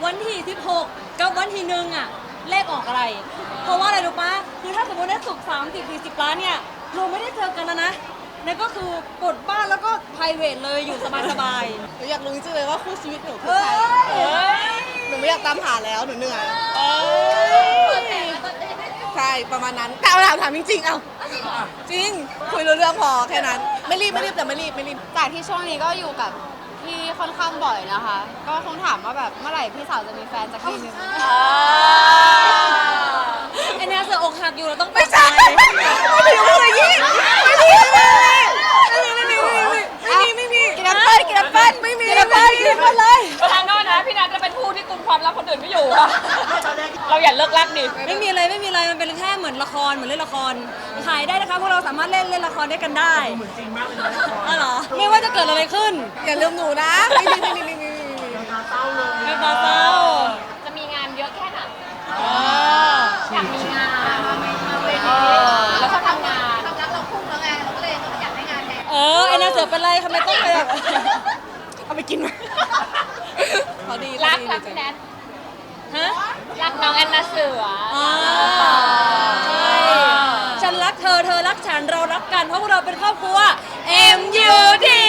วันที่16กับวันที่1อ่ะเลขออกอะไรเพราะว่าอะไรรู้ปะคือถ้าสมมติได้สุก30-40 ล้านเนี่ยเราไม่ได้เจอกันแล้วนะนั่นก็คือกดบ้านแล้วก็ private เลยอยู่สบายหนูอยากรู้จริงๆเลยว่าคู่ชีวิตหนูๆคือใครเอ้ยหนูไม่อยากตามหาแล้วหนูเหนื่อยเอ้ยใช่ประมาณนั้นแต่เอาถามจริงๆเอาจริงคุยรู้เรื่องพอแค่นั้นไม่รีบแต่ไม่รีบจากที่ช่วงนี้ก็อยู่กับพี่ค่อนข้างบ่อยนะคะ ก็คงถามว่าแบบเมื่อไหร่พี่สาวจะมีแฟนสักทีนึงไอเนี่ยเสืออกหักอยู่เราต้องไม่ใช่ไม่ถึงอะไรยี่ไม่มีกินแอปเปิ้ลไม่มีเลยทางโน้นนะพี่นัทจะเป็นผู้ที่กุมความลับคนอื่นไม่อยู่อะเราอย่าเลิกลักดิไม่มีอะไรมันเป็นแค่เหมือนละครเหมือนเล่นละครถ่ายได้นะคะพวกเราสามารถเล่นละครด้วยกันได้เหมือนจริงมากเลยนะอ๋อเหรอไม่ว่าจะเกิดอะไรขึ้นอย่าลืมหนูนะไม่มีไม่ตาเศร้าจะมีงานเยอะแค่ไหนเอออยากมีงานแล้วก็ทำงานไอเนี่ยเสือเป็นไรทำไมต้องไปแบบเอาไปกินมาเขาดีรักพี่แนทฮะรักน้องแอนนาเสืออ่าใช่ฉันรักเธอรักฉันเรารักกันเพราะพวกเราเป็นครอบครัว MUT